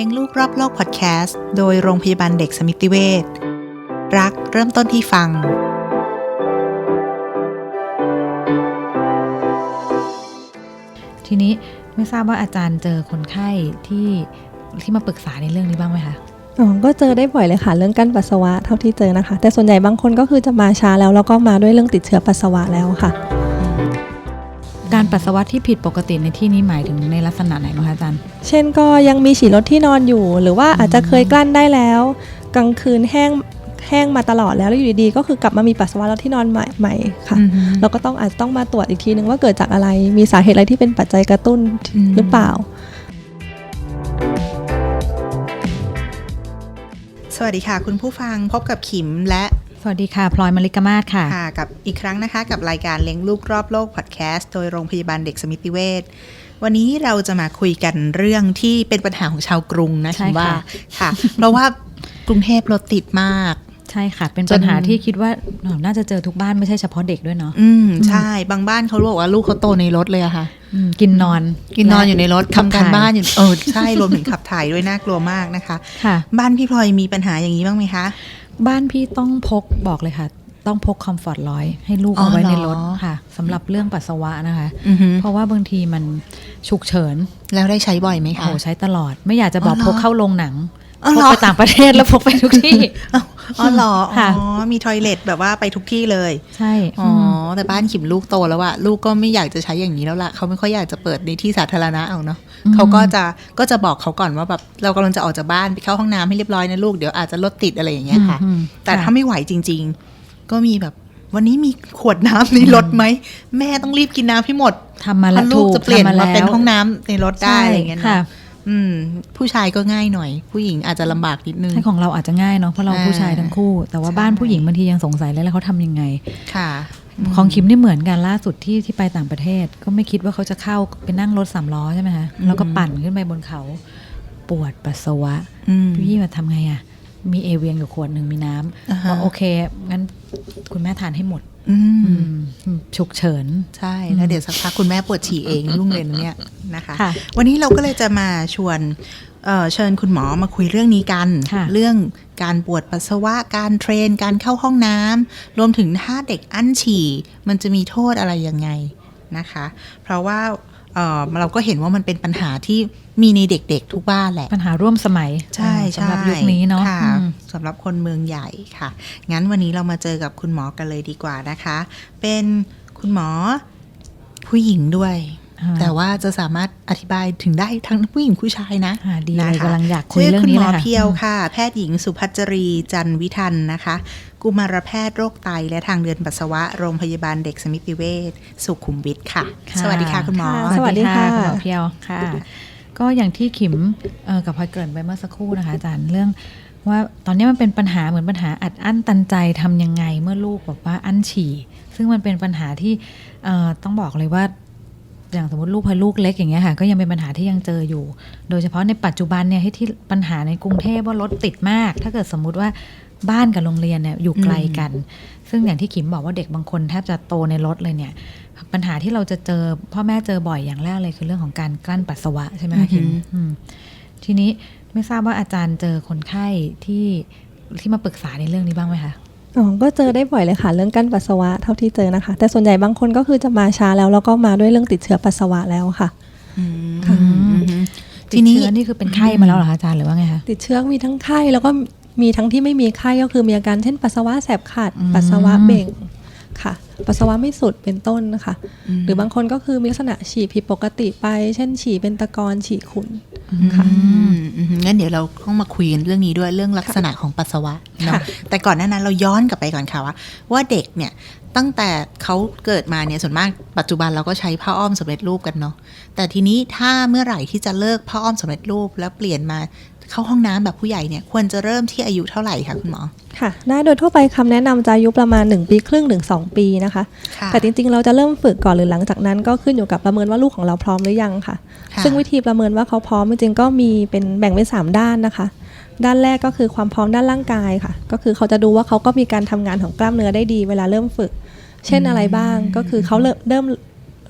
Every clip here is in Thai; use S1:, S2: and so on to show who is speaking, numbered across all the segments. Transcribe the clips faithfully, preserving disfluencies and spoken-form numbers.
S1: ลี้ยงลูกรอบโลกพอดแคสต์โดยโรงพยาบาลเด็กสมิติเวชรักเริ่มต้นที่ฟัง
S2: ทีนี้ไม่ทราบว่าอาจารย์เจอคนไข้ที่ที่มาปรึกษาในเรื่องนี้บ้างไหมคะ
S3: อ๋อก็เจอได้บ่อยเลยค่ะเรื่องกั้นปัสสาวะเท่าที่เจอนะคะแต่ส่วนใหญ่บางคนก็คือจะมาช้าแล้วแล้วก็มาด้วยเรื่องติดเชื้อปัสสาวะแล้วค่ะ
S2: การปัสสาวะที่ผิดปกติในที่นี้หมายถึงในลักษณะไหนบ้างคะอาจารย์
S3: เช่นก็ยังมีฉี่รถที่นอนอยู่หรือว่าอาจจะเคยกลั้นได้แล้วกลางคืนแห้งแห้งมาตลอดแล้วแล้วอยู่ดีๆก็คือกลับมามีปัสสาวะแล้วที่นอนใหม่ๆค่ะเราก็ต้องอาจจะต้องมาตรวจอีกทีนึงว่าเกิดจากอะไรมีสาเหตุอะไรที่เป็นปัจจัยกระตุ้นหรือเปล่า
S1: สวัสดีค่ะคุณผู้ฟังพบกับขิมและ
S2: สวัสดีค่ะพลอยมลิกมาศค่ะ
S1: ค่ะกับอีกครั้งนะคะกับรายการเลี้ยงลูกรอบโลกพอดแคสต์โดยโรงพยาบาลเด็กสมิติเวชวันนี้เราจะมาคุยกันเรื่องที่เป็นปัญหาของชาวกรุงนะคิดว่าค่ะเพราะว่ากรุงเทพรถติดมาก
S2: ใช่ค่ะเป็นปัญหาที่คิดว่าน่าจะเจอทุกบ้านไม่ใช่เฉพาะเด็กด้วยเนาะ
S1: อืมใช่บางบ้านเขาบอกว่าลูกเขาโตในรถเลยอะค่ะ
S2: กินนอน
S1: กินนอนอยู่ในรถทำการบ้านอยู่เออใช่รวมถึงขับถ่ายด้วยน่ากลัวมากนะคะ
S2: ค่ะ
S1: บ้านพี่พลอยมีปัญหาอย่างนี้บ้างไหมคะ
S2: บ้านพี่ต้องพกบอกเลยค่ะต้องพกคอมฟอร์ตร้อยให้ลูกเอาไว้ในรถค่ะสำหรับเรื่องปัสสาวะนะคะเพราะว่าบางทีมันฉุกเฉิน
S1: แล้วได้ใช้บ่อยไหมคะ
S2: โอ้ใช้ตลอดไม่อยากจะบอกพกเข้าโรงหนังพกไปต่างประเทศแล้วพกไปทุกที่
S1: อ๋อเหรออ๋อมีทอยเลทแบบว่าไปทุกที่เลย
S2: ใช่
S1: อ๋อแต่บ้านขิมลูกโตแล้วอะลูกก็ไม่อยากจะใช้อย่างนี้แล้วล่ะเขาไม่ค่อยอยากจะเปิดในที่สาธารณะเอาเนาะเขาก็จะก็จะบอกเขาก่อนว่าแบบเรากำลังจะออกจากบ้านไปเข้าห้องน้ำให้เรียบร้อยนะลูกเดี๋ยวอาจจะรถติดอะไรอย่างเงี้ยค่ะแต่ถ้าไม่ไหวจริงๆก็มีแบบวันนี้มีขวดน้ำในรถไหมแม่ต้องรีบกินน้ำให้หมด
S2: ทำมาแล้ว
S1: ลูกจะเปลี่ยนมาเป็นห้องน้ำในรถได้อะไรอย่างเงี้ยนะอืมผู้ชายก็ง่ายหน่อยผู้หญิงอาจจะลำบากนิดนึง
S2: ใช่ของเราอาจจะง่ายเนาะเพราะเราผู้ชายทั้งคู่แต่ว่าบ้านผู้หญิงบางทียังสงสัยเลยแล้วเขาทำยังไง
S1: ค่ะ
S2: ของคิมนี่เหมือนกันล่าสุดที่ที่ไปต่างประเทศก็ไม่คิดว่าเขาจะเข้าไปนั่งรถสามล้อใช่ไหมคะแล้วก็ปั่นขึ้นไปบนเขาปวดปัสสาวะพี่มาทำไงอ่ะมีเอเวียงอยู่ขวดหนึ่งมีน้ำก็โอเคงั้นคุณแม่ทานให้หมดฉุกเฉิน
S1: ใช่แล้วเดี๋ยวสักพักคุณแม่ปวดฉี่เองรุ่งเรืองเนี่ยนะคะวันนี้เราก็เลยจะมาชวนเอ่อเชิญคุณหมอมาคุยเรื่องนี้กันเรื่องการปวดปัสสาวะการเทรนการเข้าห้องน้ำรวมถึงถ้าเด็กอั้นฉี่มันจะมีโทษอะไรยังไงนะคะเพราะว่าเอ่อเราก็เห็นว่ามันเป็นปัญหาที่มีในเด็กๆทุกบ้านแหละ
S2: ปัญหาร่วมสมัย
S1: ใช่
S2: สำหรับยุคนี้เนาะ
S1: สำหรับคนเมืองใหญ่ค่ะงั้นวันนี้เรามาเจอกับคุณหมอกันเลยดีกว่านะคะเป็นคุณหมอผู้หญิงด้วยแต่ว่าจะสามารถอธิบายถึงได้ทั้งผู้หญิงผู้ชายนะ
S2: ดีเลยกำลังอยากคุยเรื่องนี้เลยค่ะ
S1: คุณหมอเพียวค่ะแพทย์หญิงสุภัจรีจันวิทันนะคะกุมารแพทย์โรคไตและทางเดินปัสสาวะโรงพยาบาลเด็กสมิติเวชสุขุมวิทค่ะสวัสดีค่ะคุณหมอ
S2: สวัสดีค่ะคุณหมอเพียวค่ะก็อย่างที่ขิมกับพลอยเกริ่นไปเมื่อสักครู่นะคะอาจารย์เรื่องว่าตอนนี้มันเป็นปัญหาเหมือนปัญหาอัดอั้นตันใจทำยังไงเมื่อลูกบอกว่าอั้นฉี่ซึ่งมันเป็นปัญหาที่ต้องบอกเลยว่าอย่างสมมติลูกพอลูกเล็กอย่างเงี้ยค่ะก็ยังเป็นปัญหาที่ยังเจออยู่โดยเฉพาะในปัจจุบันเนี่ยที่ปัญหาในกรุงเทพว่ารถติดมากถ้าเกิดสมมุติว่าบ้านกับโรงเรียนเนี่ยอยู่ไกลกันซึ่งอย่างที่ขิมบอกว่าเด็กบางคนแทบจะโตในรถเลยเนี่ยปัญหาที่เราจะเจอพ่อแม่เจอบ่อยอย่างแรกเลยคือเรื่องของการกลั้นปัสสาวะใช่ไหมคะขิมทีนี้ไม่ทราบว่าอาจารย์เจอคนไข้ที่ที่มาปรึกษาในเรื่องนี้บ้างไหมคะ
S3: อ๋อก็เจอได้บ่อยเลยค่ะเรื่องกั้นปัสสาวะเท่าที่เจอนะคะแต่ส่วนใหญ่บางคนก็คือจะมาช้าแล้วแล้วก็มาด้วยเรื่องติดเชื้อปัสสาวะแล้วค่ะ
S2: ค่ะทีนี้นี่คือเป็นไข้มาแล้วเหรอคะอาจารย์หรือว่าไงคะ
S3: ติดเชื้อมีทั้งไข้แล้วก็มีทั้งที่ไม่มีไข้ก็คือมีอาการเช่นปัสสาวะแสบขัดปัสสาวะเบ่งค่ะปัสสาวะไม่สุดเป็นต้นนะคะหรือบางคนก็คือมีลักษณะฉี่ผิดปกติไปเช่นฉี่เป็นตะกอนฉี่ขุ่นค่ะ
S1: งั้นเดี๋ยวเราต้องมาคุยกันเรื่องนี้ด้วยเรื่องลักษณะของปัสสาวะเนาะแต่ก่อนหน้านั้นเราย้อนกลับไปก่อนค่ะว่าว่าเด็กเนี่ยตั้งแต่เขาเกิดมาเนี่ยส่วนมากปัจจุบันเราก็ใช้ผ้าอ้อมสำเร็จรูปกันเนาะแต่ทีนี้ถ้าเมื่อไหร่ที่จะเลิกผ้าอ้อมสำเร็จรูปแล้วเปลี่ยนมาเข้าห้องน้ำแบบผู้ใหญ่เนี่ยควรจะเริ่มที่อายุเท่าไหร่คะคุณหมอ
S3: ค่ะได้โดยทั่วไปคำแนะนำจะอายุประมาณหนึ่งปีครึ่งถึงสองปีนะคะแต่จริงๆเราจะเริ่มฝึกก่อนหรือหลังจากนั้นก็ขึ้นอยู่กับประเมินว่าลูกของเราพร้อมหรือยังค่ะซึ่งวิธีประเมินว่าเขาพร้อมจริงๆก็มีเป็นแบ่งเป็นสามด้านนะคะด้านแรกก็คือความพร้อมด้านร่างกายค่ะก็คือเขาจะดูว่าเขาก็มีการทำงานของกล้ามเนื้อได้ดีเวลาเริ่มฝึกเช่นอะไรบ้างก็คือเขาเริ่มเริ่ม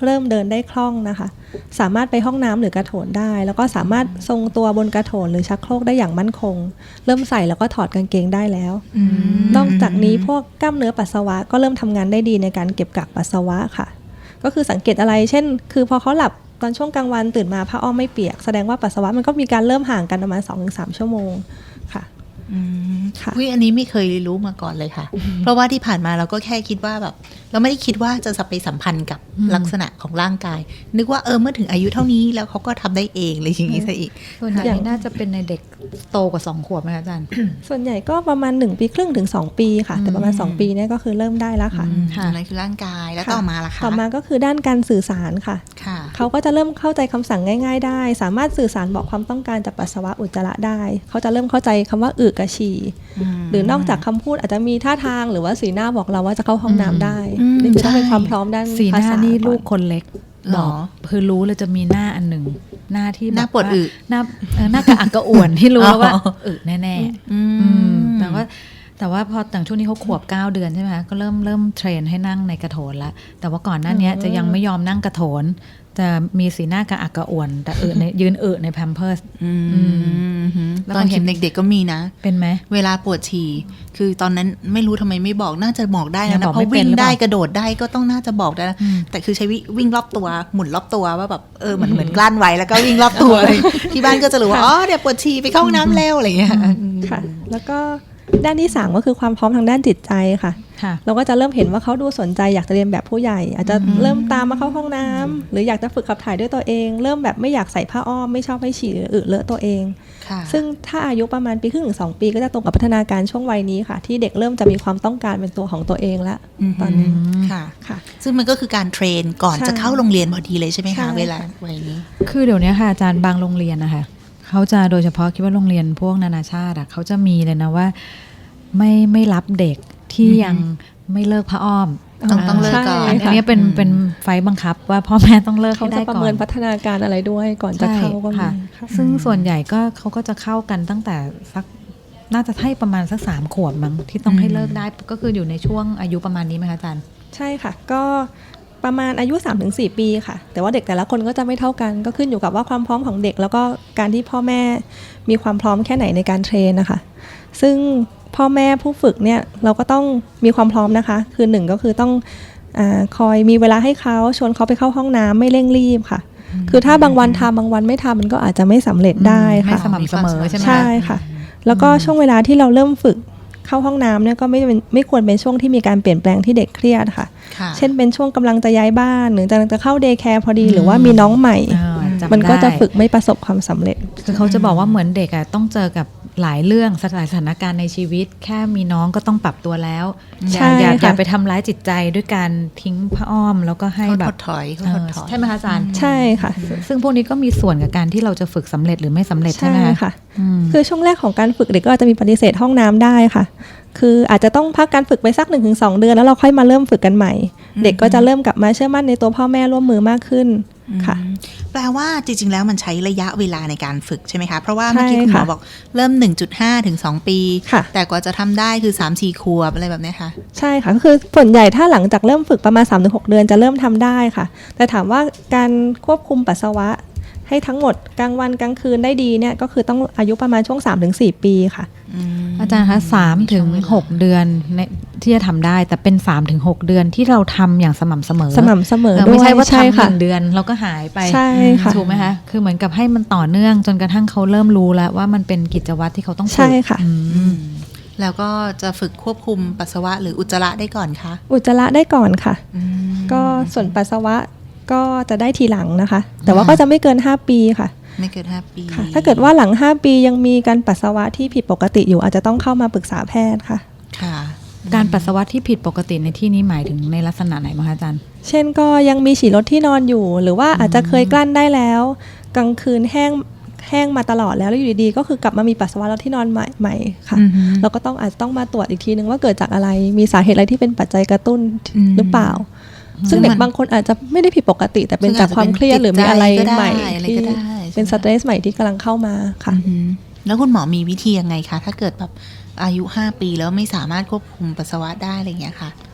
S3: เริ่มเดินได้คล่องนะคะสามารถไปห้องน้ำหรือกระโถนได้แล้วก็สามารถทรงตัวบนกระโถนหรือชักโครกได้อย่างมั่นคงเริ่มใส่แล้วก็ถอดกางเกงได้แล้วนอกจากนี้พวกกล้ามเนื้อปัสสาวะก็เริ่มทำงานได้ดีในการเก็บกักปัสสาวะค่ะก็คือสังเกตอะไรเช่นคือพอเขาหลับตอนช่วงกลางวันตื่นมาผ้าอ้อมไม่เปียกแสดงว่าปัสสาวะมันก็มีการเริ่มห่างกันประมาณ สองถึงสาม ชั่วโมงค่ะ
S1: อืมค่ะอันนี้ไม่เคยรู้มาก่อนเลยค่ะเพราะว่าที่ผ่านมาเราก็แค่คิดว่าแบบเราไม่ได้คิดว่าจะไปสัมพันธ์กับลักษณะของร่างกายนึกว่าเออเมื่อถึงอายุเท่านี้แล้วเขาก็ทำได้เองเลยอย่างนี้ซะอีก
S2: ส่วนใหญ่น่าจะเป็นในเด็กโตกว่าสองขวบไหมอาจารย์
S3: ส่วนใหญ่ก็ประมาณหนึ่งปีครึ่งถึงสองปีค่ะแต่ประมาณสองปีเนี่ยก็คือเริ่มได้แล้วค่ะ
S1: นั่นคือร่างกายแล้วต่อมาล่ะคะ
S3: ต่อมาก็คือด้านการสื่อสารค่ะเขาก็จะเริ่มเข้าใจคำสั่งง่ายๆได้สามารถสื่อสารบอกความต้องการจากปัสสาวะอุจจาระได้เขาจะเริ่มเข้าใจคำว่าอึกับฉี่หรือนอกจากคำพูดอาจจะมีท่าทางหรือว่าสีหน้าบอกเราว่าจะเข้าห้องน้ำได้นี่คือต้องเป็นความพร้อมด้าน
S2: สีหน้านี่ลูกคนเล็กบอกคือรู้เลยจะมีหน้าอันหนึ่งหน้าที่
S1: หน้าปวดอึ
S2: หน้าหน้ากระอักกระอ่วนที่รู้แล้วว่าอึแน่ๆแต่ว่าแต่ว่าพอต่างช่วงนี้เขาขวบเก้าเดือนใช่ไหมคะก็เริ่มเริ่มเทรนให้นั่งในกระโถนแล้วแต่ว่าก่อนหน้านี้จะยังไม่ยอมนั่งกระโถนจะมีสีหน้ากระอักกระอ่วนแต่อึในยืนอึในแพมเพิร์ส
S1: ตอนเห็นเด็กๆก็มีนะ
S2: เป็นไหม
S1: เวลาปวดฉี่คือตอนนั้นไม่รู้ทำไมไม่บอกน่าจะบอกได้นะเพราะวิ่งได้กระโดดได้ก็ต้องน่าจะบอกได้แต่คือใช้วิ่งรอบตัวหมุนรอบตัวว่าแบบเออเหมือนเหมือนกลั้นไว้แล้วก็วิ่งรอบตัวเลยที่บ้านก็จะรู้ว่าอ๋อเดี๋ยวปวดฉี่ไปเข้าห้องน้ำแล้วอะไรอย่างเงี้ย
S3: ค่ะแล้วก็ด้านที่สามก็คือความพร้อมทางด้านจิตใจค่ะเราก็จะเริ่มเห็นว่าเขาดูสนใจอยากจะเรียนแบบผู้ใหญ่อาจจะเริ่มตามมาเข้าห้องน้ำหรืออยากจะฝึกขับถ่ายด้วยตัวเองเริ่มแบบไม่อยากใส่ผ้าอ้อมไม่ชอบให้ฉี่หรืออึเลอะตัวเองซึ่งถ้าอายุประมาณปีครึ่งถึงสองปีก็จะตรงกับพัฒนาการช่วงวัยนี้ค่ะที่เด็กเริ่มจะมีความต้องการเป็นตัวของตัวเองแล้วตอนนี้
S1: ค่ะค่ะซึ่งมันก็คือการเทรนก่อนจะเข้าโรงเรียนพอดีเลยใช่ไหมคะเวลาวัยนี้
S2: คือเดี๋ยวนี้ค่ะอาจารย์บางโรงเรียนนะคะเขาจะโดยเฉพาะคิดว่าโรงเรียนพวกนานาชาติเขาจะมีเลยนะว่าไม่ไม่รับเด็กที่ยังไม่เลิกผ้าอ้อม
S1: ต้องต้องเลิกก่อน
S2: อันนี้เป็นเป็นไฟบังคับว่าพ่อแม่ต้องเลิกให้ได้ก่อน
S3: เขาจะประเมินพัฒนาการอะไรด้วยก่อนจะเข้าก็มี
S2: ซึ่งส่วนใหญ่ก็เขาก็จะเข้ากันตั้งแต่สักน่าจะให้ประมาณสักสามขวบมั้งที่ต้องให้เลิกได้ก็คืออยู่ในช่วงอายุประมาณนี้ไหมคะอาจารย์
S3: ใช่ค่ะก็ประมาณอายุ สามถึงสี่ ปีค่ะแต่ว่าเด็กแต่ละคนก็จะไม่เท่ากันก็ขึ้นอยู่กับว่าความพร้อมของเด็กแล้วก็การที่พ่อแม่มีความพร้อมแค่ไหนในการเทรนนะคะซึ่งพ่อแม่ผู้ฝึกเนี่ยเราก็ต้องมีความพร้อมนะคะคือหนึ่งก็คือต้องอ่าคอยมีเวลาให้เขาชวนเขาไปเข้าห้องน้ำไม่เร่งรีบค่ะคือถ้าบางวันทำบางวันไม่ทำมันก็อาจจะไม่สำเร็จได้ค่ะ
S2: ไม่สม่ำเสมอใช่ไหม
S3: ใช่ค่ะแล้วก็ช่วงเวลาที่เราเริ่มฝึกเข้าห้องน้ำเนี่ยก็ไม่เป็นไม่ควรเป็นช่วงที่มีการเปลี่ยนแปลงที่เด็กเครียดค่ะเช่นเป็นช่วงกำลังจะย้ายบ้านหรือกำลังจะเข้าเดย์แคร์พอดีหรือว่ามีน้องใหม่มันก็จะฝึกไม่ประสบความสำเร็จ
S2: คือเขาจะบอกว่าเหมือนเด็กอะต้องเจอกับหลายเรื่องสถานการณ์ในชีวิตแค่มีน้องก็ต้องปรับตัวแล้วอย่าอย่าอย่าไปทำร้ายจิตใจด้วยการทิ้งผ้าอ้อมแล้วก็ให้แบบ
S1: ถอย
S2: ใช่ไหมคะอาจารย์
S3: ใช่ค่ะ
S2: ซึ่งพวกนี้ก็มีส่วนกับการที่เราจะฝึกสำเร็จหรือไม่สำเร็จใช่ไหม
S3: คะคือช่วงแรกของการฝึกเด็กก็อาจจะมีปฏิเสธห้องน้ำได้ค่ะคืออาจจะต้องพักการฝึกไปสัก หนึ่งถึงสอง เดือนแล้วเราค่อยมาเริ่มฝึกกันใหม่เด็กก็จะเริ่มกลับมาเชื่อมั่นในตัวพ่อแม่ร่วมมือมากขึ้นค่ะ
S1: แปลว่าจริงๆแล้วมันใช้ระยะเวลาในการฝึกใช่ไหมคะเพราะว่าเมื่อกี้คุณหมอบอกเริ่ม หนึ่งจุดห้า ถึงสองปีแต่กว่าจะทำได้คือ สามถึงสี่ ขวบอะไรแบบนี้ค่ะ
S3: ใช่ค่ะก็คือส่วนใหญ่ถ้าหลังจากเริ่มฝึกประมาณ สามถึงหก เดือนจะเริ่มทำได้ค่ะแต่ถามว่าการควบคุมปัสสาวะให้ทั้งหมดกลางวันกลางคืนได้ดีเนี่ยก็คือต้องอายุประมาณช่วง สามถึงสี่ ปีค่ะ
S2: อาจารย์คะสามถึงหกเดือนที่จะทำได้แต่เป็น สามถึงหก เดือนที่เราทำอย่างสม่ำเสมอ
S3: สม่ำเสมอด้วย
S2: ไม่ใช่ว่าทำหนึ่งเดือนเราก็หายไป
S3: ใช่ค่ะ
S2: ถูกไหมคะคือเหมือนกับให้มันต่อเนื่องจนกระทั่งเขาเริ่มรู้แล้วว่ามันเป็นกิจวัตรที่เขาต้องฝึก
S3: ใช่ค่ะ
S1: แล้วก็จะฝึกควบคุมปัสสาวะหรืออุจจาระได้ก่อนคะ
S3: อุจจาระได้ก่อนค่ะก็ส่วนปัสสาวะก็จะได้ทีหลังนะคะแต่ว่าก็จะไม่เกินห้าปีค่ะ
S1: ไม่เกินห้าปี
S3: ค่ะถ้าเกิดว่าหลังห้าปียังมีการปัสสาวะที่ผิดปกติอยู่อาจจะต้องเข้ามาปรึกษาแพทย์ค่ะ
S1: ค่ะ
S2: การปัสสาวะที่ผิดปกติในที่นี้หมายถึงในลักษณะไหนบ้างคะอาจารย์
S3: เช่นก็ยังมีฉี่รถที่นอนอยู่หรือว่าอาจจะเคยกลั้นได้แล้วกลางคืนแห้งแห้งมาตลอดแล้วแล้วอยู่ดีๆก็คือกลับมามีปัสสาวะรถที่นอนใหม่ๆค่ะเราก็ต้องอาจจะต้องมาตรวจอีกทีนึงว่าเกิดจากอะไรมีสาเหตุอะไรที่เป็นปัจจัยกระตุ้นหรือเปล่าซึ่งเด็กบางคนอาจจะไม่ได้ผิดปกติแต่เป็นจากความเครียดหรือมีอะไรใหม่ที่เป็นสเตรสใหม่ที่กำลังเข้ามาค่ะ
S1: แล้วคุณหมอมีวิธียังไงคะถ้าเกิดแบบอายุห้าปีแล้วไม่สามารถควบคุมปัสสาวะได้อะไรอย่างเงี้ยค่ะ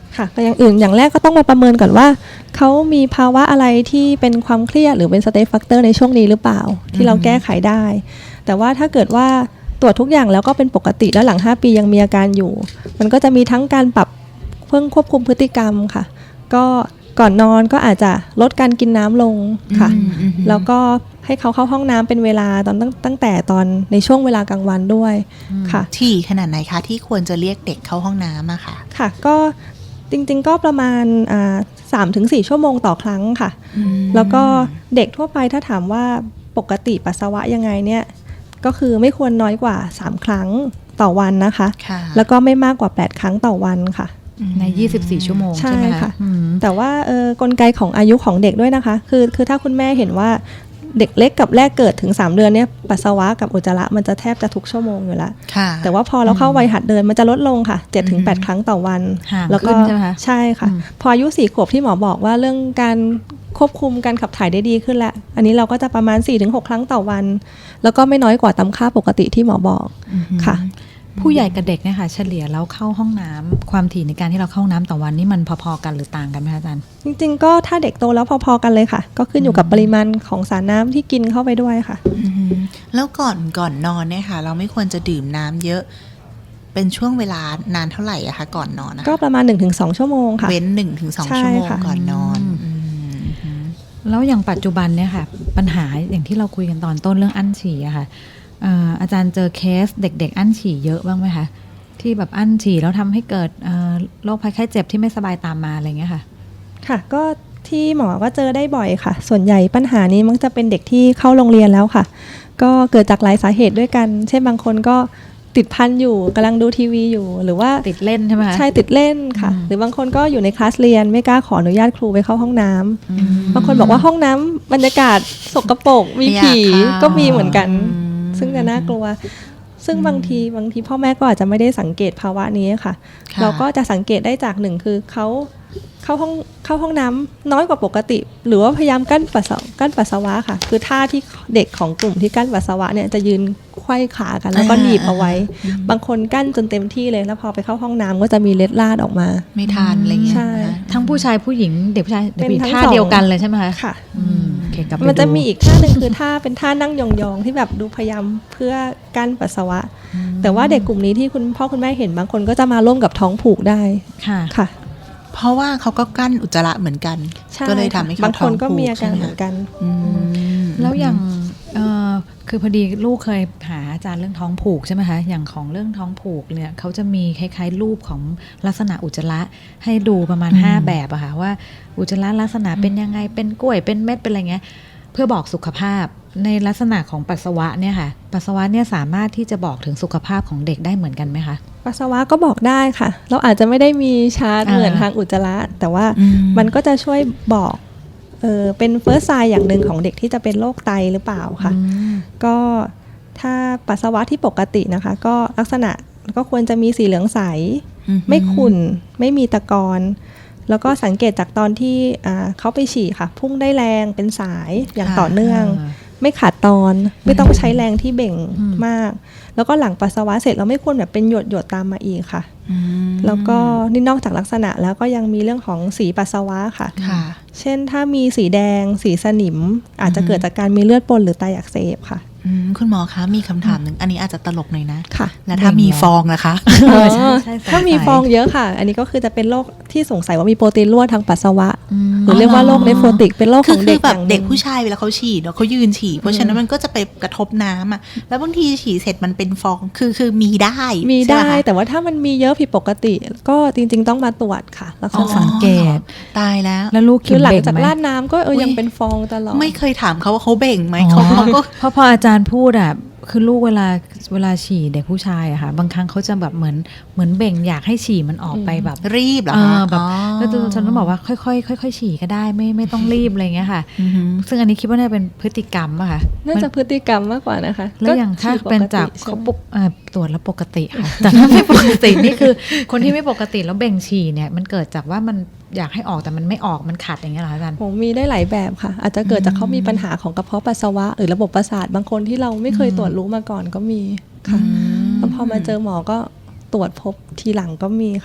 S3: ค่ะก็อย่างอื่นอย่างแรกก็ต้องมาประเมินก่อนว่าเขามีภาวะอะไรที่เป็นความเครียดหรือเป็น stress factor ในช่วงนี้หรือเปล่าที่เราแก้ไขได้แต่ว่าถ้าเกิดว่าตรวจทุกอย่างแล้วก็เป็นปกติแล้วหลังห้าปียังมีอาการอยู่มันก็จะมีทั้งการปรับเพื่อควบคุมพฤติกรรมค่ะก็ก่อนนอนก็อาจจะลดการกินน้ำลงค่ะแล้วก็ให้เขาเข้าห้องน้ำเป็นเวลาตอนตั้งตั้งแต่ตอนในช่วงเวลากลางวันด้วยค่ะ
S1: ที่ขนาดไหนคะที่ควรจะเรียกเด็กเข้าห้องน้ำอะค่ะ
S3: ค่ะก็จริงๆก็ประมาณสามถึงสี่ชั่วโมงต่อครั้งค่ะแล้วก็เด็กทั่วไปถ้าถามว่าปกติปัสสาวะยังไงเนี่ยก็คือไม่ควรน้อยกว่าสามครั้งต่อวันนะคะแล้วก็ไม่มากกว่าแปดครั้งต่อวันค่ะ
S2: ในยี่สิบสี่ชั่วโมงใช่ไหมคะ
S3: แต่ว่าเออกลไกของอายุของเด็กด้วยนะคะคือคือถ้าคุณแม่เห็นว่าเด็กเล็กกับแรกเกิดถึงสามเดือนเนี่ยปัสสาวะกับอุจจาระมันจะแทบจะทุกชั่วโมงอยู่แล้วแต่ว่าพอเราเข้าวัยหัดเดินมันจะลดลงค่ะ เจ็ดถึงแปด ครั้งต่อวัน
S2: แล้วก็
S3: ใช่ค่ะพออายุสี่ขวบที่หมอบอกว่าเรื่องการควบคุมการขับถ่ายได้ดีขึ้นแล้วอันนี้เราก็จะประมาณ สี่ถึงหก ครั้งต่อวันแล้วก็ไม่น้อยกว่าตามค่าปกติที่หมอบอกค่ะ
S2: ผู้ใหญ่กับเด็กเนี่ยค่ะเฉลี่ยแล้วเข้าห้องน้ำความถี่ในการที่เราเข้าห้องน้ำต่อวันนี่มันพอๆกันหรือต่างกันไหมคะอาจารย์
S3: จริงๆก็ถ้าเด็กโตแล้วพอๆกันเลยค่ะก็ขึ้นอยู่กับปริมาณของสารน้ำที่กินเข้าไปด้วยค่ะ
S1: แล้วก่อนก่อนนอนเนี่ยค่ะเราไม่ควรจะดื่มน้ำเยอะเป็นช่วงเวลานานเท่าไหร่อะคะก่อนนอนนะ
S3: ก็ประมาณ หนึ่งถึงสอง ชั่วโมงค่ะ
S1: เว้น หนึ่งถึงสอง ชั่วโมงก่อนนอน
S2: แล้วอย่างปัจจุบันเนี่ยค่ะปัญหาอย่างที่เราคุยกันตอนต้นเรื่องอั้นฉี่อะค่ะอาจารย์เจอเคสเด็กๆอั้นฉี่เยอะบ้างไหมคะที่แบบอั้นฉี่แล้วทำให้เกิดโรคภัยไข้เจ็บที่ไม่สบายตามมาอะไรเงี้ยค่ะ
S3: ค่ะก็ที่หมอก็เจอได้บ่อยค่ะส่วนใหญ่ปัญหานี้มักจะเป็นเด็กที่เข้าโรงเรียนแล้วค่ะก็เกิดจากหลายสาเหตุด้วยกันเช่นบางคนก็ติดพันอยู่กำลังดูทีวีอยู่หรือว่า
S2: ติดเล่นใช่ไหมคะ
S3: ใช่ติดเล่นค่ะหรือบางคนก็อยู่ในคลาสเรียนไม่กล้าขออนุญาตครูไปเข้าห้องน้ำบางคนบอกว่าห้องน้ำบรรยากาศสกปรกมีผีก็มีเหมือนกันซึ่งจะน่ากลัวซึ่งบางทีบางทีพ่อแม่ก็อาจจะไม่ได้สังเกตภาวะนี้ค่ะเราก็จะสังเกตได้จากหนึ่งคือเขาเข้าห้องเข้าห้องน้ำน้อยกว่าปกติหรือว่าพยายามกั้นปัสสาวะกั้นปัสสาวะค่ะคือท่าที่เด็กของกลุ่มที่กั้นปัสสาวะเนี่ยจะยืนไขว้ขากันแล้วก็หนีบเอาไว้บางคนกั้นจนเต็มที่เลยแล้วพอไปเข้าห้องน้ำก็จะมีเล็ดลาดออกมา
S1: ไม่ทานอะไรเงี้ย
S3: ใช่
S2: ทั้งผู้ชายผู้หญิงเด็กผู้ชายเด็กผู้หญิงท่าเดียวกันเลยใช่ไหมคะ
S3: ค่ะมันจะมีอีกท่าหนึ่งคือท่าเป็นท่านั่งยองๆที่แบบดูพยายามเพื่อกั้นปัสสาวะแต่ว่าเด็กกลุ่มนี้ที่คุณพ่อคุณแม่เห็นบางคนก็จะมาร่วมกับท้องผูกได้
S2: ค่ะ
S3: ค่ะ
S1: เพราะว่าเขาก็กั้นอุจจาระเหมือนกันก็เลยทำให้เขาท้องผูก
S3: บางคนก็มีอาการเหมือนกัน
S2: แล้วอย่างคือพอดีลูกเคยหาอาจารย์เรื่องท้องผูกใช่ไหมคะอย่างของเรื่องท้องผูกเนี่ยเขาจะมีคล้ายๆรูปของลักษณะอุจจาระให้ดูประมาณห้าแบบอะค่ะว่าอุจจาระลักษณะเป็นยังไงเป็นกล้วยเป็นเม็ดเป็นอะไรเงี้ยเพื่อบอกสุขภาพในลักษณะของปัสสาวะเนี่ยค่ะปัสสาวะเนี่ยสามารถที่จะบอกถึงสุขภาพของเด็กได้เหมือนกันไหมคะ
S3: ปัสสาวะก็บอกได้ค่ะเราอาจจะไม่ได้มีชาร์ตเหมือนทางอุจจาระแต่ว่ามันก็จะช่วยบอกเออเป็นเฟิร์สไซน์อย่างหนึ่งของเด็กที่จะเป็นโรคไตหรือเปล่าค่ะก็ถ้าปัสสาวะที่ปกตินะคะก็ลักษณะก็ควรจะมีสีเหลืองใสไม่ขุ่นไม่มีตะกอนแล้วก็สังเกตจากตอนที่เขาไปฉี่ค่ะพุ่งได้แรงเป็นสายอย่างต่อเนื่องไม่ขาดตอนไม่ต้องใช้แรงที่เบ่งมากแล้วก็หลังปัสสาวะเสร็จเราไม่ควรแบบเป็นหยดหยดตามมาอีกค่ะแล้วก็นี่นอกจากลักษณะแล้วก็ยังมีเรื่องของสีปัสสาวะค่ะเช่นถ้ามีสีแดงสีสนิมอาจจะเกิดจากการมีเลือดปนหรือไตอักเสบค่ะ
S1: คุณหมอคะมีคำถามหนึ่งอันนี้อาจจะตลกหน่อยนะ
S3: ค่ะ
S1: แล้วถ้ามีฟองนะคะ
S3: ถ้ามีฟองเยอะค่ะอันนี้ก็คือจะเป็นโรคที่สงสัยว่ามีโปรตีนรั่วทางปัสสาวะหรือเรียกว่าโรคเนฟโรติกเป็นโรคของเด็กอย่าง
S1: เด็กผู้ชายเวลาเขาฉี่เนาะเขายืนฉี่เพราะฉะนั้นมันก็จะไปกระทบน้ำอ่ะแล้วบางทีฉี่เสร็จมันเป็นฟองคือคือมีได้
S3: มีได้แต่ว่าถ้ามันมีเยอะผิดปกติก็จริงๆต้องมาตรวจค่ะแล้วก็
S2: สังเกต
S1: ตายแล้ว
S2: แล้วลูก
S3: คือหลังจากราดน้ำก็เออยังเป็นฟองตลอด
S1: ไม่เคยถามเขาว่าเขาเบ่งไหมเขาเขาก็
S2: เพราะพออาจารย์พูดอ่ะคือลูกเวลาเวลาฉี่เด็กผู้ชายอะค่ะบางครั้งเขาจะแบบเหมือนเหมือนเบ่งอยากให้ฉี่มันออกไปแบบ
S1: รีบเหรอคะ
S2: แบบแล้วฉันต้องบอกว่าค่อยๆค่อยๆฉี่ก็ได้ไม่ไม่ต้องรีบอะไรเงี้ยค่ะซึ่งอันนี้คิดว่าน่าเป็นพฤติกรรมอะค่ะ
S3: น่าจะพฤติกรรมมากกว่านะคะ
S2: แล้วอย่างถ้าเป็นจากเขาปกตรวจแล้วปกติค่ะแต่ถ้าไม่ปกตินี่คือคนที่ไม่ปกติแล้วเบ่งฉี่เนี่ยมันเกิดจากว่ามันอยากให้ออกแต่มันไม่ออกมันขัดอย่างเงี้ยเหรออาจารย์
S3: ผมมีได้หลายแบบค่ะอาจจะเกิดจากเขามีปัญหาของกระเพาะปัสสาวะหรือระบบประสาทบางคนที่เราไม่เคยตรวจรู้มาก่อนก็มีค่ะแล้วพอมาเจอหมอก็ตรวจพบทีหลังก็มีค่ะ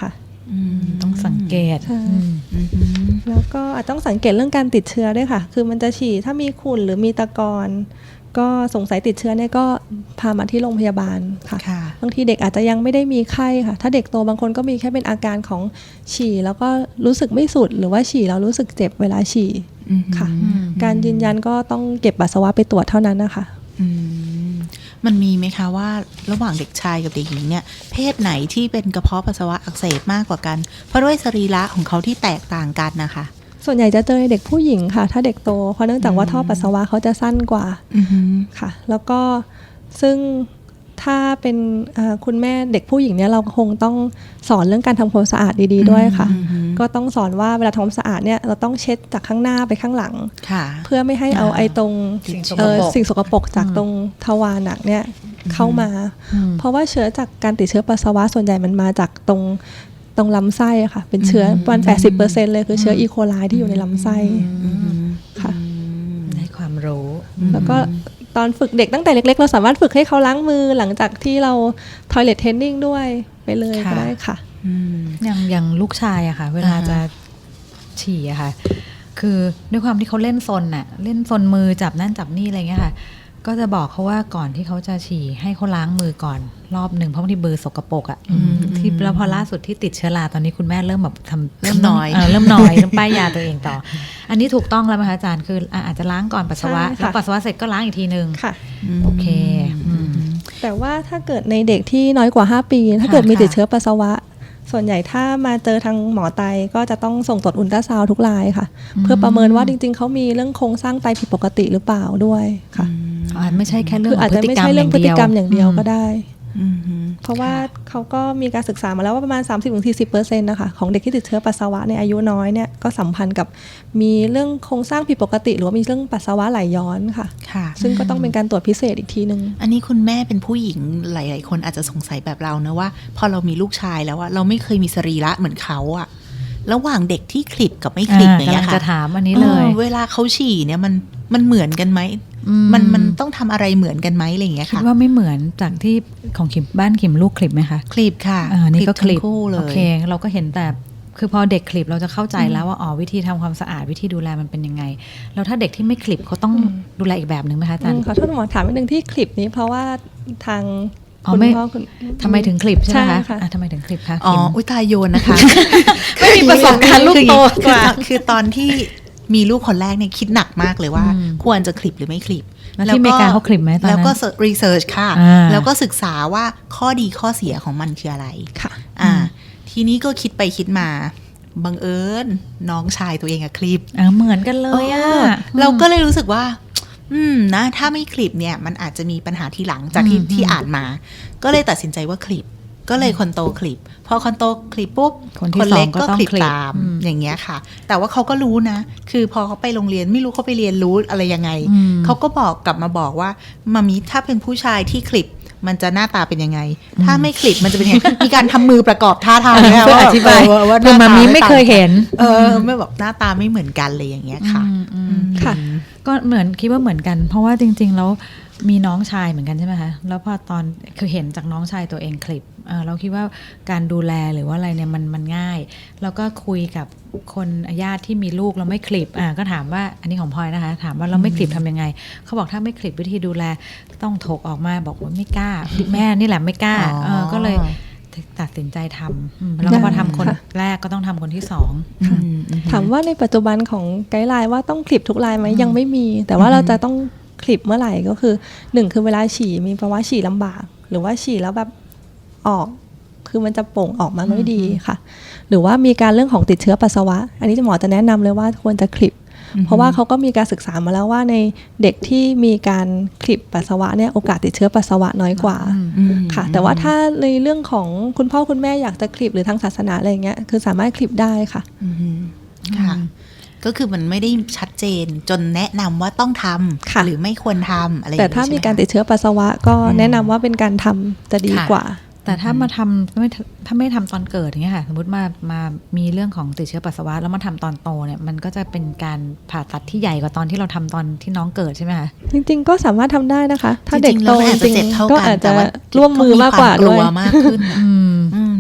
S2: ต้องสังเกต
S3: ใช่
S2: อืม
S3: แล้วก็อาจต้องสังเกตเรื่องการติดเชื้อด้วยค่ะคือมันจะฉี่ถ้ามีขุ่นหรือมีตะกอนก็สงสัยติดเชื้อเนี่ยก็พามาที่โรงพยาบาลค่ะ
S1: ค่ะ
S3: บางทีเด็กอาจจะยังไม่ได้มีไข้ค่ะถ้าเด็กโตบางคนก็มีแค่เป็นอาการของฉี่แล้วก็รู้สึกไม่สุดหรือว่าฉี่แล้วรู้สึกเจ็บเวลาฉี่ค่ะการยืนยันก็ต้องเก็บปัสสาวะไปตรวจเท่านั้นนะคะ
S1: อืมมันมีไหมคะว่าระหว่างเด็กชายกับเด็กหญิงเนี่ยเพศไหนที่เป็นกระเพาะปัสสาวะอักเสบมากกว่ากันเพราะด้วยสรีระของเขาที่แตกต่างกันนะคะ
S3: ส่วนใหญ่จะเจอในเด็กผู้หญิงค่ะถ้าเด็กโตเพราะเนื่องจากว่าท่อปัสสาวะเขาจะสั้นกว่า
S1: อือหือ
S3: ค่ะแล้วก็ซึ่งถ้าเป็นคุณแม่เด็กผู้หญิงเนี่ยเราคงต้องสอนเรื่องการทำความสะอาดดีๆด้วยค่ะก็ต้องสอนว่าเวลาทำความสะอาดเนี่ยเราต้องเช็ดจากข้างหน้าไปข้างหลังเพื่อไม่ให้เอาไอ้ตรงสิ่งสกปรกจากตรงทวารหนักเนี่ยเข้ามาเพราะว่าเชื้อจากการติดเชื้อปัสสาวะส่วนใหญ่มันมาจากตรงตรงลำไส้ค่ะเป็นเชื้อประมาณ แปดสิบเปอร์เซ็นต์ เลยคือเชื้ออีโคไลที่อยู่ในลำไส้ค่ะ
S2: ได้ความรู้
S3: แล้วก็ตอนฝึกเด็กตั้งแต่เล็กๆเราสามารถฝึกให้เขาล้างมือหลังจากที่เรา toilet training ด้วยไปเลยก็ได้ค่ะ
S2: อย่างอย่างลูกชายอะค่ะเวลาจะฉี่อะค่ะคือด้วยความที่เขาเล่นซนอะเล่นซนมือจับนั่นจับนี่อะไรเงี้ยค่ะก็จะบอกเขาว่าก่อนที่เขาจะฉี่ให้เขาล้างมือก่อนรอบหนึ่งเพราะบางทีมือสกปรกอะที่แล้วพอล่าสุดที่ติดเชื้อราตอนนี้คุณแม่เริ่มแบบทำ
S1: เริ่มน้อย
S2: เริ่มน้อยเริ่มป้ายยาตัวเองต่ออันนี้ถูกต้องแล้วไหมคะอาจารย์คืออาจจะล้างก่อนปัสสาวะแล้วปัสสาวะเสร็จก็ล้างอีกทีนึง
S3: ค่ะ
S2: โอเค
S3: แต่ว่าถ้าเกิดในเด็กที่น้อยกว่าห้าปีถ้าเกิดมีติดเชื้อปัสสาวะส่วนใหญ่ถ้ามาเจอทางหมอไตก็จะต้องส่งตรวจอุลตราซาวด์ทุกรายค่ะเพื่อประเมินว่าจริงๆเขามีเรื่องโครงสร้างไตผิดปกติหรือเปล่าด้วยค่ะ
S2: อาจไม่ใช่แค่เรื่อ
S3: งอาจจะไม่ใช่เรื่องพฤติกรรมอย่างเดียวก็ได้เพราะว่าเขาก็มีการศึกษามาแล้วว่าประมาณ สามสิบถึงสี่สิบเปอร์เซ็นต์ นะคะของเด็กที่ติดเชื้อปัสสาวะในอายุน้อยเนี่ยก็สัมพันธ์กับมีเรื่องโครงสร้างผิดปกติหรือว่ามีเรื่องปัสสาวะไหลย้อนค่ะซึ่งก็ต้องเป็นการตรวจพิเศษอีกทีนึง
S1: อันนี้คุณแม่เป็นผู้หญิงหลายๆคนอาจจะสงสัยแบบเรานะว่าพอเรามีลูกชายแล้วอะเราไม่เคยมีสรีระเหมือนเขาอะระหว่างเด็กที่คลิปกับไม่คลิปอย่างเงี้ยค่ะ
S2: จะถามอันนี้เลย
S1: เวลาเขาฉี่เนี่ยมันมันเหมือนกันไหมมันมันต้องทำอะไรเหมือนกันไหมอะไรอย่างเงี้ยค่ะ
S2: คิดว่าไม่เหมือนจากที่ของขิมบ้านขิมลูกคลิปไหมคะ
S1: คลิปค่ะ
S2: อ่านี่ก็คลิป
S1: โอ
S2: เคเราก็เห็นแต่คือพอเด็กคลิปเราจะเข้าใจแล้วว่าอ๋อวิธีทำความสะอาดวิธีดูแลมันเป็นยังไงแล้วถ้าเด็กที่ไม่คลิปเขาต้องดูแลอีกแบบหนึ่งไหมคะอาจารย์
S3: ขอโทษหมอถามนิดนึงที่คลิปนี้เพราะว่าทาง
S2: คุณพ่อคุณทำไมถึงคลิปใช่ไหมคะทำไมถึงคลิปคะ
S1: อ๋ออุยตายโยนนะคะ
S2: ไม่มีประสบการณ์ลูกโต
S1: กว่าคือตอนที่มีลูกคนแรกเนี่ยคิดหนักมากเลยว่าควรจะคลิปหรือไม่คลิป
S2: แล้วที่อเมริกาเขาคลิปไหมตอนนั้น
S1: แล้วก็รีเสิร์ชค่ะแล้วก็ศึกษาว่าข้อดีข้อเสียของมันคืออะไร
S3: ค่ะ
S1: อ่าทีนี้ก็คิดไปคิดมาบังเอิญน้องชายตัวเองอะคลิป
S2: อ่าเหมือนกันเลยอะ
S1: เราก็เลยรู้สึกว่าอืมนะถ้าไม่คลิปเนี่ยมันอาจจะมีปัญหาทีหลังจากที่ที่อ่านมาก็เลยตัดสินใจว่าคลิปก็เลยคนโตคลิปพอคนโตคลิปปุ๊บคนเล็กก็คลิปตามอย่างเงี้ยค่ะแต่ว่าเขาก็รู้นะคือพอเขาไปโรงเรียนไม่รู้เขาไปเรียนรู้อะไรยังไงเขาก็บอกกลับมาบอกว่ามามีถ้าเป็นผู้ชายที่คลิปมันจะหน้าตาเป็นยังไงถ้าไม่คลิปมันจะเป็นยังไงมีการทำมือประกอบท่าทางเนี่ยว่า
S2: อธิบายว่ามามีไม่เคยเห็น
S1: เออไม่บอกหน้าตาไม่เหมือนกันเลยอย่างเงี้ยค่ะ
S3: ค่ะ
S2: ก็เหมือนคิดว่าเหมือนกันเพราะว่าจริงๆแล้วมีน้องชายเหมือนกันใช่ไหมคะแล้วพอตอนคือเห็นจากน้องชายตัวเองคลิปเราคิดว่าการดูแลหรือว่าอะไรเนี่ยมันมันง่ายแล้วก็คุยกับคนญาติที่มีลูกเราไม่คลิปอ่าก็ถามว่าอันนี้ของพลอยนะคะถามว่าเราไม่คลิปทำยังไงเขาบอกถ้าไม่คลิปวิธีดูแลต้องถกออกมาบอกว่าไม่กล้าแม่นี่แหละไม่กล้าเออก็เลยตัดสินใจทำแล้วก็พอทำคนแรกก็ต้องทำคนที่สอง
S3: ถามว่าในปัจจุบันของไกด์ไลน์ว่าต้องคลิปทุกรายไหมยังไม่มีแต่ว่าเราจะต้องคลิปเมื่อไหร่ก็คือหนึ่งคือเวลาฉี่มีภาวะฉี่ลำบากหรือว่าฉี่แล้วแบบออกคือมันจะโป่งออกมาไม่ดีค่ะหรือว่ามีการเรื่องของติดเชื้อปัสสาวะอันนี้หมอจะแนะนำเลยว่าควรจะคลิปเพราะว่าเขาก็มีการศึกษามาแล้วว่าในเด็กที่มีการคลิปปัสสาวะเนี่ยโอกาสติดเชื้อปัสสาวะน้อยกว่าค่ะแต่ว่าถ้าในเรื่องของคุณพ่อคุณแม่อยากจะคลิปหรือทางศาสนาอะไรอย่างเงี้ยคือสามารถคลิปได้ค่ะ
S1: ค่ะก็คือมันไม่ได้ชัดเจนจนแนะนำว่าต้องทำหรือไม่ควรทำอะไร
S3: แต่ถ้ามีการติดเชื้อปัสสาวะก็แนะนำว่าเป็นการทำจะดีกว่า
S2: แต่ถ้ามาทำไม่ถ้าไม่ทำตอนเกิดอย่างเงี้ยค่ะสมมติมามามีเรื่องของติดเชื้อปัสสาวะแล้วมาทำตอนโตเนี่ยมันก็จะเป็นการผ่าตัดที่ใหญ่กว่าตอนที่เราทำตอนที่น้องเกิดใช่ไหมคะ
S3: จริงๆก็สามารถทำได้นะคะถ้าเด็กโตจริงๆก็อาจจะร่วมมือมากกว่าด้วย
S1: มากขึ้น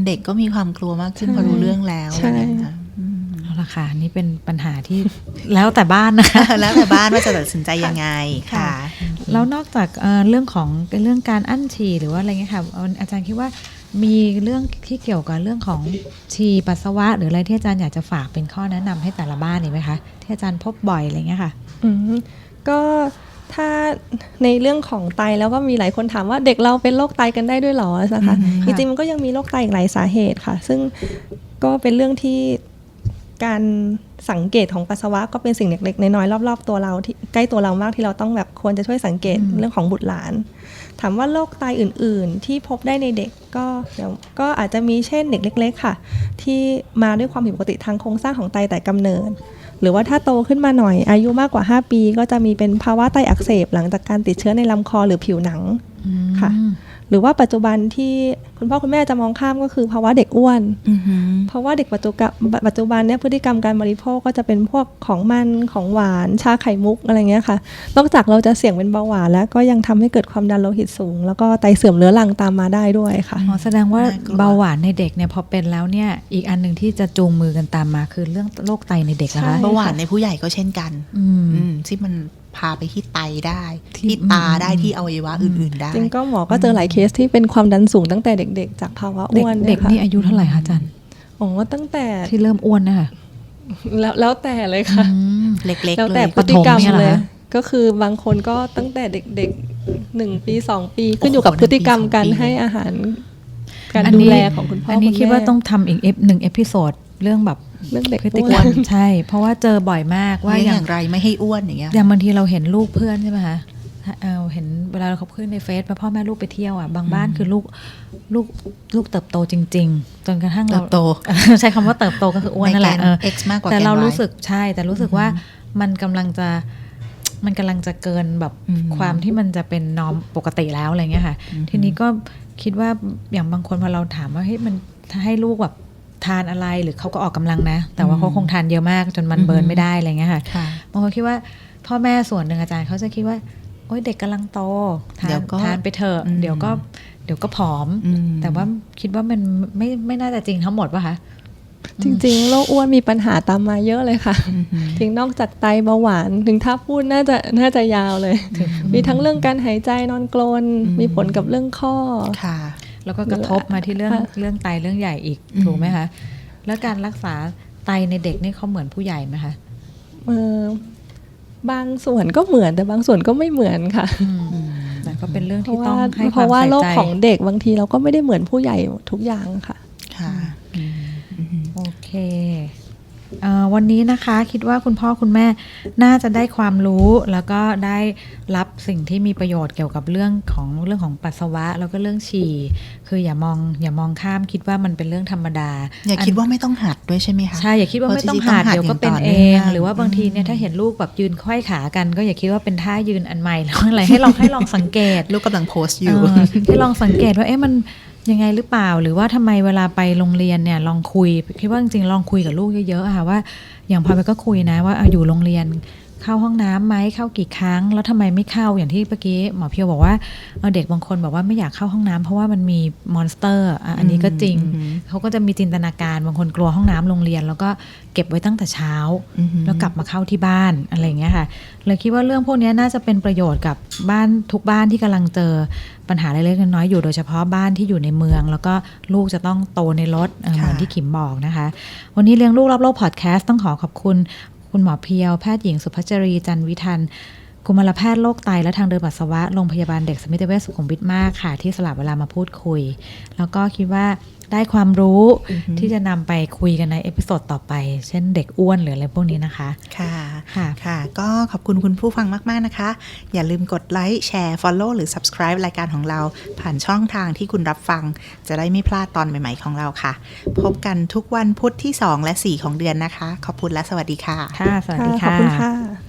S1: เด็กก็มีความกลัวมากขึ้นพอรู้เรื่องแล้ว
S3: ใช่
S2: เอาละค่ะนี่เป็นปัญหาที่ แล้วแต่บ้านนะคะ
S1: แล้วแต่บ้านว่าจะตัดสินใจยังไงค่ะ
S2: แล้วนอกจากเอ่อเรื่องของเรื่องการอั้นฉี่หรือว่าอะไรเงี้ยค่ะอาจารย์คิดว่ามีเรื่องที่เกี่ยวกับเรื่องของฉี่ปัสสาวะหรืออะไรที่อาจารย์อยากจะฝากเป็นข้อแนะนำให้แต่ละบ้านนี่ไหมคะที่อาจารย์พบบ่อยอะไรเงี้ยค่ะ
S3: อืมก็ถ้าในเรื่องของไตแล้วก็มีหลายคนถามว่าเด็กเราเป็นโรคไตกันได้ด้วยหรอนะคะจริงๆมันก็ยังมีโรคไตอีกหลายสาเหตุค่ะซึ่งก็เป็นเรื่องที่การสังเกตของปัสสาวะก็เป็นสิ่งเล็กๆน้อยๆรอบๆตัวเราที่ใกล้ตัวเรามากที่เราต้องแบบควรจะช่วยสังเกตเรื่องของบุตรหลานถามว่าโรคไตอื่นๆที่พบได้ในเด็กก็เดี๋ยวก็อาจจะมีเช่นเด็กเล็กๆค่ะที่มาด้วยความผิดปกติทางโครงสร้างของไตแต่กำเนิดหรือว่าถ้าโตขึ้นมาหน่อยอายุมากกว่าห้าปีก็จะมีเป็นภาวะไตอักเสบหลังจากการติดเชื้อในลำคอหรือผิวหนังค่ะหรือว่าปัจจุบันที่คุณพ่อคุณแม่จะมองข้ามก็คือภาวะเด็กอ้วนเพราะว่าเด็กปัจจุบันปัจจุบันเนี่ยพฤติกรรมการบริโภคก็จะเป็นพวกของมันของหวานชาไข่มุกอะไรเงี้ยค่ะนอกจากเราจะเสี่ยงเป็นเบาหวานแล้วก็ยังทำให้เกิดความดันโลหิตสูงแล้วก็ไตเสื่อมเรื้อรังตามมาได้ด้วยค่ะ
S2: อ๋อแสดงว่าเบาหวานในเด็กเนี่ยพอเป็นแล้วเนี่ยอีกอันหนึ่งที่จะจูงมือกันตามมาคือเรื่องโรคไตในเด็กนะคะ
S1: เบาหวานในผู้ใหญ่ก็เช่นกันที่มันพาไปที่ไตได้ที่ตาได้ที่อวัยวะอื่นๆได้
S3: จริงก็หมอก็เจอหลายเคสที่เป็นความดันสูงตั้งแต่เด็กๆจากภาวะอ้วน
S2: เด็กนี่อายุเท่าไหร่คะอาจารย์
S3: อ๋อตั้งแต่
S2: ที่เริ่มอ้วนนะคะ
S3: แล้วแล้วแต่เลยค่ะ
S1: เล็กๆเลย
S3: แล้วแต่พฤติกรรมเลยก็คือบางคนก็ตั้งแต่เด็กๆหนึ่งปีสองปีขึ้นอยู่กับพฤติกรรมการให้อาหารการดูแลของคุณพ่อคุณแม่
S2: อันนี้คิดว่าต้องทำอีกหนึ่งเอพิโซดเรื่องแบบ
S3: เรื่องเด็ก
S2: พฤติกรรมใช่เพราะว่าเจอบ่อยมากว่า
S1: อย่างไรไม่ให้อ้วนอย่างเงี้ย
S2: อย่างบางทีเราเห็นลูกเพื่อนใช่ไหมคะเออเห็นเวลาเขาขึ้นในเฟซพ่อแม่ลูกไปเที่ยวอ่ะบางบ้านคือลูกลูกลูกเติบโตจริงๆจนกระทั่งเรา
S1: โต
S2: ใช้คำว่าเติบโตก็คืออ้วนนั่นแหละเออ
S1: X มากกว่า
S2: แต่เรารู้สึกใช่แต่รู้สึกว่ามันกำลังจะมันกำลังจะเกินแบบความที่มันจะเป็นนอร์มปกติแล้วอะไรเงี้ยค่ะทีนี้ก็คิดว่าอย่างบางคนพอเราถามว่าเฮ้ยมันให้ลูกแบบทานอะไรหรือเขาก็ออกกำลังนะแต่ว่าเขาคงทานเยอะมากจนมันเบิร์นไม่ได้อะไรเงี้ยค่ะบางคนคิดว่าพ่อแม่ส่วนหนึ่งอาจารย์เขาจะคิดว่าโอ๊ยเด็กกำลังโตทานทานไปเถอะเดี๋ยวก็เดี๋ยวก็ผอมแต่ว่าคิดว่ามันไม่ไม่น่าจะจริงทั้งหมดป่ะคะ
S3: จริงๆโรคอ้วนมีปัญหาตามมาเยอะเลยค่ะจริงนอกจากไตเบาหวานถึงถ้าพูดน่าจะน่าจะยาวเลยมีทั้งเรื่องการหายใจนอนกรนมีผลกับเรื่องข้อ
S1: ค่ะ
S2: แล้วก็กระทบมาที่เรื่องเรื่องไตเรื่องใหญ่อีกถูกไหมคะแล้วการรักษาไตในเด็กนี่เขาเหมือนผู้ใหญ่ไหมคะ
S3: เออบางส่วนก็เหมือนแต่บางส่วนก็ไม่เหมือนค่ะ
S2: แต่ก็เป็นเรื่องที่ต้องให้ความใส่ใจ
S3: เพราะว่าโรคของเด็กบางทีเราก็ไม่ได้เหมือนผู้ใหญ่ทุกอย่างค่ะ
S1: ค่ะ
S2: โอเควันนี้นะคะคิดว่าคุณพ่อคุณแม่น่าจะได้ความรู้แล้วก็ได้รับสิ่งที่มีประโยชน์เกี่ยวกับเรื่องของเรื่องของปัสสาวะแล้วก็เรื่องฉี่คืออย่ามองอย่ามองข้ามคิดว่ามันเป็นเรื่องธรรมดา
S1: อย่าคิดว่าไม่ต้องหัดด้วยใช่ไหมคะ
S2: ใช่อย่าคิดว่าไม่ต้องหัดเดี๋ยวก็เป็นเองหรือว่าบางทีเนี่ยถ้าเห็นลูกแบบยืนไขว้ขากันก็อย่าคิดว่าเป็นท่ายืนอันใหม่แล้วอะไรให้ลองให้ลองสังเกต
S1: ลูกกำลังโพสต์อยู่
S2: ให้ลองสังเกตว่าเอ๊ะมันยังไงหรือเปล่าหรือว่าทำไมเวลาไปโรงเรียนเนี่ยลองคุยคิดว่าจริงๆลองคุยกับลูกเยอะๆค่ะว่าอย่างพอไปก็คุยนะว่าอยู่โรงเรียนเข้าห้องน้ำไหมเข้ากี่ครั้งแล้วทำไมไม่เข้าอย่างที่เมื่อกี้หมอเพียวบอกว่าเด็กบางคนบอกว่าไม่อยากเข้าห้องน้ำเพราะว่ามันมีมอนสเตอร์อันนี้ก็จริงเขาก็จะมีจินตนาการบางคนกลัวห้องน้ำโรงเรียนแล้วก็เก็บไว้ตั้งแต่เช้าแล้วกลับมาเข้าที่บ้านอะไรอย่างเงี้ยค่ะเลยคิดว่าเรื่องพวกนี้น่าจะเป็นประโยชน์กับบ้านทุกบ้านที่กำลังเจอปัญหาเล็กๆน้อยๆอยู่โดยเฉพาะบ้านที่อยู่ในเมืองแล้วก็ลูกจะต้องโตในรถเหมือนที่ขิมบอกนะคะวันนี้เลี้ยงลูกรอบโลกพอดแคสต์ต้องขอขอบคุณคุณหมอเพียวแพทย์หญิงสุภัชรีจันวิทันกุมารแพทย์โรคไตและทางเดินปัสสาวะโรงพยาบาลเด็กสมิติเวชสุขุมวิทมากค่ะที่สละเวลามาพูดคุยแล้วก็คิดว่าได้ความรู้ที่จะนำไปคุยกันในเอพิโซดต่อไปเช่นเด็กอ้วนหรืออะไรพวกนี้นะคะ
S1: ค่ะค่ะค่ะก็ขอบคุณคุณผู้ฟังมากๆนะคะอย่าลืมกดไลค์แชร์ follow หรือ subscribe รายการของเราผ่านช่องทางที่คุณรับฟังจะได้ไม่พลาดตอนใหม่ๆของเราค่ะพบกันทุกวันพุธที่สองและสี่ของเดือนนะคะขอบคุณและสวัสดีค่ะ
S2: ค่ะสวัสดีค่ะ
S3: ขอบคุณค่ะ